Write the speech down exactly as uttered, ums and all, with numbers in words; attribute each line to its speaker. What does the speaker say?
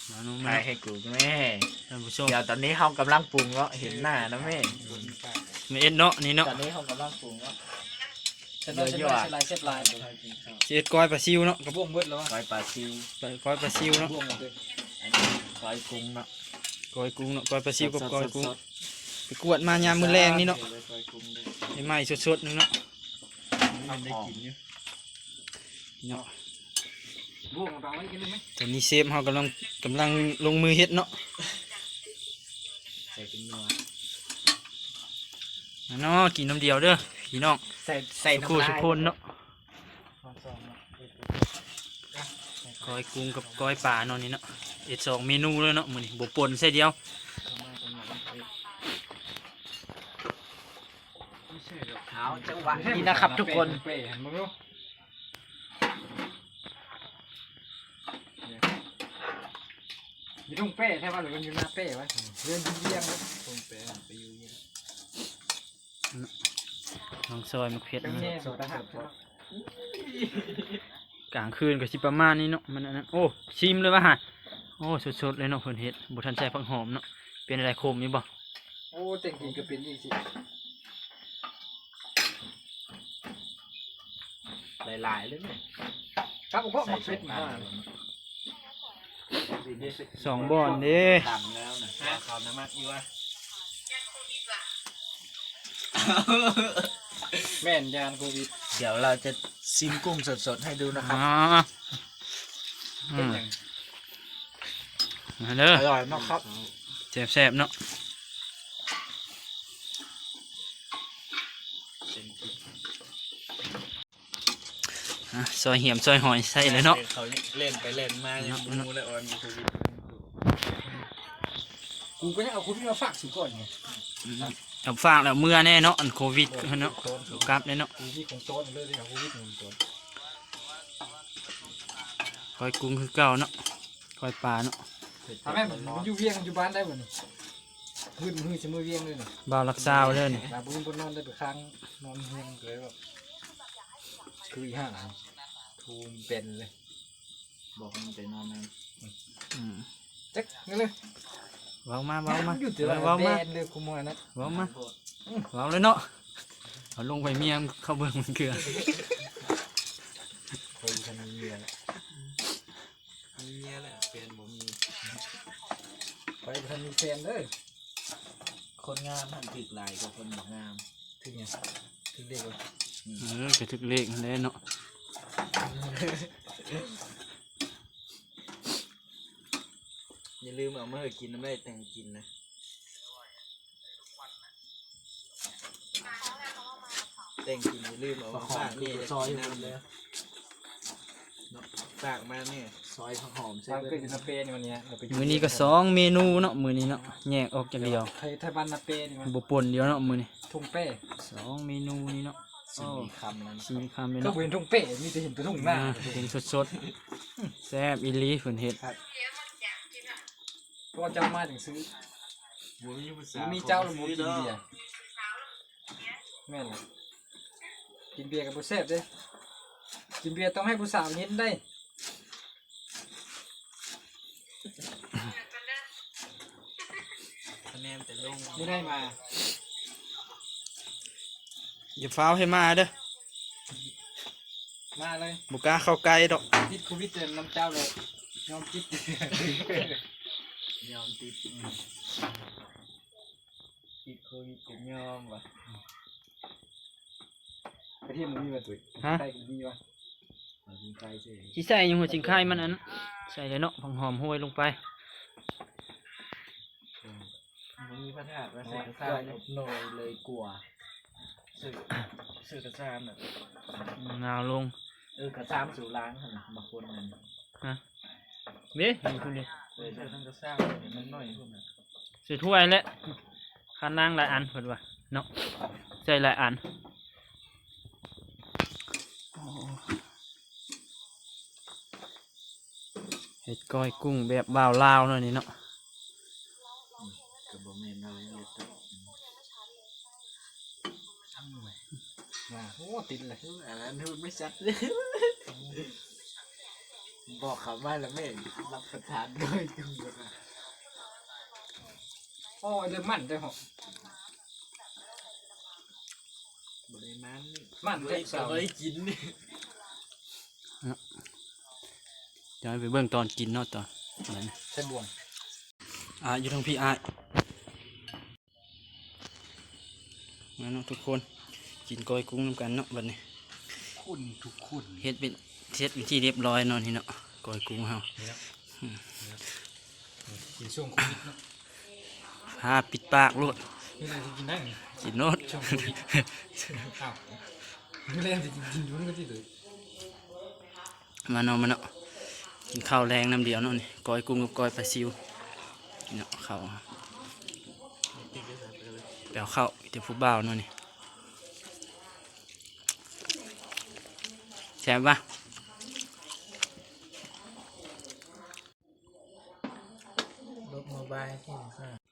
Speaker 1: มาน้อง
Speaker 2: ถ่า
Speaker 1: แม่
Speaker 2: ยให้กูแม่
Speaker 1: ท่านผู้ชม
Speaker 2: เดี๋ยวตอนนี้เขากำลังปรุงแล้วเห็นหน้านะแม่
Speaker 1: มีเอ็ดเนาะนี่เนาะ
Speaker 2: ตอนนี้เขากำลังปรุงแล้ว
Speaker 3: ฉันว่าฉันว่าลายเส้นลาย
Speaker 1: สิเอ็ดก้อยปลาซิวเนาะ
Speaker 3: กระบ้วงเบิดแล้ววะ
Speaker 2: ก้อยปลาซิว
Speaker 1: ก้อยปลาซิวเนาะ
Speaker 3: บ้วงหมดเลย
Speaker 2: อันนี้ก้อยกุ้งเนาะ
Speaker 1: ก้อยกุ้งเนาะก้อยปลาซิวกับก้อยกุ้ง
Speaker 2: สด
Speaker 1: ไปกวดมายามมื้อแรงนี่เนาะ
Speaker 2: ก้อยกุ้งด้วย
Speaker 1: ไอ้ไม้สดๆนึงเนาะ
Speaker 2: มันได้กินอยู่
Speaker 1: เนาะ
Speaker 3: บ้วงเราไว้กินได้ไหม
Speaker 1: ตอนนี้เซฟเฮากำลังกำลังลงมือเฮ็ดเนาะ
Speaker 2: ใส่เป็นนัว
Speaker 1: มาเนาะกินน้ำเดียวเด้อพี่น้อง
Speaker 2: ใส่ใส่
Speaker 1: คู่
Speaker 2: น้ำลาย
Speaker 1: ทุกคนเนาะ
Speaker 2: ความซองเนาะ
Speaker 1: ก้อยกุ้งกับก้อยปลาเนาะนี่เนาะเอ็ดสองเมนูเลยเนาะมื้อนี้บ่ป่นใส่เดียว
Speaker 2: เท้าจังหวะนี้นะครับทุกคน
Speaker 3: เป้หันมาดูอยู่ตรงเป้ใช่ป่ะหรือมันอยู่หน้าเป้วะเรื่องเยี่ยงเลย
Speaker 2: ตรงเป๊ะไปอยู่นี่
Speaker 1: น้องซอยมะเขือ
Speaker 3: เป็น
Speaker 1: เนาะ
Speaker 3: แง่สุดนะฮะ
Speaker 1: กลางคืนก็สิประมาณนี้เนาะมันอันนั้นโอ้ชิมเลยว่ะฮะโอ้สดๆเลยเนาะเพิ่นเฮ็ดบ่ทันใส่ผักหอมเนาะเป็นอะไรคมอยู่บ่
Speaker 3: โอ้เต็งกินก็เป็นอีกสิ
Speaker 2: หลายๆเลยเนี่ย
Speaker 3: ครับผมก็มาเฟ็ดมา
Speaker 1: สองบ่อนเด้
Speaker 2: ดำแล้วนะเขาน้ำมันอยู่วะ
Speaker 3: แม่นยานโควิด
Speaker 2: เดี๋ยวเราจะซิมกุ้งสดๆให้ดูนะครั
Speaker 1: อ๋
Speaker 2: บ
Speaker 1: ออื
Speaker 3: เป็น
Speaker 1: ม
Speaker 3: อย่าง
Speaker 1: มาเด้อ
Speaker 2: อร่อยมากครับ
Speaker 1: แซ่บๆเนาะอ่ะซอยเหี่ยมซอยหอยใส่เลยเนาะ
Speaker 2: เขาเล่นไปเล่นมายังมูเลยออนมีโควิด
Speaker 3: กูก็ยังเอาโควิดมาฝากสุก่อนไง
Speaker 1: อืมเอาฝากแล้วเมื่อแน่เนาะอันโควิดเนาะกลับเลยเนาะ
Speaker 3: โควิดของโต้นเลยเลยเอาโควิดของโต้น
Speaker 1: ก้อยกุ้งคือเก่าเนาะก้อยปลาเนาะ
Speaker 3: ทำให้มันอยู่เวียงอยู่บ้านได้บ่นี่มือมือจะมือเวียงเลยนี่
Speaker 1: บ่าวรักษาไว้เลยนี่
Speaker 3: ลาบุญบนนอนได้ไปค้างนอนเฮียงเลยแบบคืออีห่าทูมเป็นเลย
Speaker 2: บอกมันไปนอนนั่น
Speaker 1: อืม
Speaker 3: จักนี่เลย
Speaker 1: เว้ามาเว้ามา
Speaker 3: อยู่แต่ละ
Speaker 1: เว้า
Speaker 3: แบ
Speaker 1: มาน
Speaker 3: เลยคุมมานะ
Speaker 1: เว้ามาเว้าเลยเนาะเอาลงไปเมียงเข้าเบิ่งมันเกลือ
Speaker 3: เคยทำเมียแล้ว
Speaker 2: มีเมียแหละเปลี่ยนบ่มี
Speaker 3: ไปทำมีแฟนเลย
Speaker 2: คนงามมันถึกหลายกว่าคนบ่งาม
Speaker 3: ถึงไงถึงเด็กเลย
Speaker 1: เออกระทึกเลขนั่นแหละเนาะ
Speaker 2: อย่าลืมเอามาให้กินน้ำได้แต่งกินนะแต่งกินอย่าลืมเอามาฝากนี่ซอยน้ำเลยฝากมาเนี่ยซอยผักหอมใช่
Speaker 3: ทาง
Speaker 2: ไหม
Speaker 3: เกิดอยู่นาเปนี่วันนี้เราไป
Speaker 1: มื้อนี้ก็สองเมนูเนาะมื้อนี้เนาะแยกออกจากเดียว
Speaker 3: ไทยไทยบ้านนาเปนี่มัน
Speaker 1: บ่ปนเดียวเนาะมื้อนี้
Speaker 3: ทุ่งเป้
Speaker 1: สองเมนูนี้เนาะ
Speaker 2: สี่คำนั้น
Speaker 1: สี่คำเลย
Speaker 3: ก็
Speaker 1: เนาะ
Speaker 3: เห็นทุ่งเป้มีแต่เห็นแต่ทุ่งหน้า
Speaker 1: อ่าเป็นสดๆแซ่บอีหลีเพิ่นเฮ็ด
Speaker 3: เพราะว่าเจ้ามาถึงซื้อ มีเจ้าหรือหมูกินเบียร์แม่นเลยกินเบียร์กับผู้แซ่บเด้กินเบียร์ต้องให้ผู้สาวเห็นได้
Speaker 2: คะแนนแต่ลง
Speaker 3: ไม่ได้มา
Speaker 1: อย่าฟ้าวให้มาเด้อ
Speaker 3: มาเลย
Speaker 1: บ่กล้าเข้าใกล้ดอก
Speaker 3: ติดโควิดเต็มน้ำเจ้าเลยยอมติด
Speaker 2: ยอมติดติดโควิดผมยอมว่ะ
Speaker 3: ประเทศมันมีมาตุ้ย
Speaker 1: ฮะ
Speaker 3: ไทยก็มีวะ
Speaker 2: มาถึงใกล้เฉย
Speaker 1: สิใส่ยังหัวจิงไข่มันอันนั้นใส่เลยเนาะผักหอมห้วยลงไป
Speaker 2: มันมีพระธาตุว่าใส่กระซ่าหน่อยเลยกลัวสื่อสื่อกระซ่าน่ะ
Speaker 1: นาวลง
Speaker 2: เออกระซ่ามสู่ล้างขนาดบางคนนั่น
Speaker 1: ฮะเด้นี่คุณดิ
Speaker 2: เออใส่ทั้งกระซ่าเห็นมันน้อยพวกนั้น
Speaker 1: ใส่ถ้วยแล้วข้างล่างหลายอันเพิ่นว่าเนาะใส่หลายอันโอ้เฮ็ดก้อยกุ้งแบบบ่าวลาวหน่อยนี่เนาะ
Speaker 2: กับบ่แม่นอะไรเลยตัว
Speaker 3: มาโอ้ติดเลย
Speaker 2: อันนั้นมันไม่ชัดเลยบอกเขาว่าแล้วไม่รับประทานด้วยจุงเลยนะ
Speaker 3: โอ้ยเริ่มมันได้หรอบ
Speaker 2: ริมัน
Speaker 3: มัน
Speaker 2: บ
Speaker 3: แท้
Speaker 2: ริ
Speaker 3: สาว
Speaker 2: บริกินนี่
Speaker 1: เดี๋ยวไปเบิ่งตอนกินเนาะตอนนั้น
Speaker 3: ใช่บ่วง
Speaker 1: อ่าอยู่ทางพี่อายมาเนาะทุกคนกินก้อยกุ้งนำกันเนาะบัดนี้
Speaker 2: คุณทุกคุณ
Speaker 1: เฮ็ดเป็นเฮ็ดเป็นที่เรียบร้อยเนาะนี่เนาะก้อยกุ้งเฮา
Speaker 3: กินช่วงโควิดเนาะ
Speaker 1: ผ้าปิดปากโลด
Speaker 3: นี่เราจะกินได้ไง
Speaker 1: กินโนด
Speaker 3: ช่วงโควิดอ้าวนี่แรงจะกินกินอยู่นั่นก็ที่เลย
Speaker 1: มาเนาะมาเนาะกินข้าวแรงน้ำเดียวเนาะนี่ก้อยกุ้งกับก้อยปลาซิวเนาะข้าวแปลวข้าวเดี๋ยวผู้บ่าวเนาะนี่แซ่บปะ
Speaker 2: รถโมบายที่ค่ะ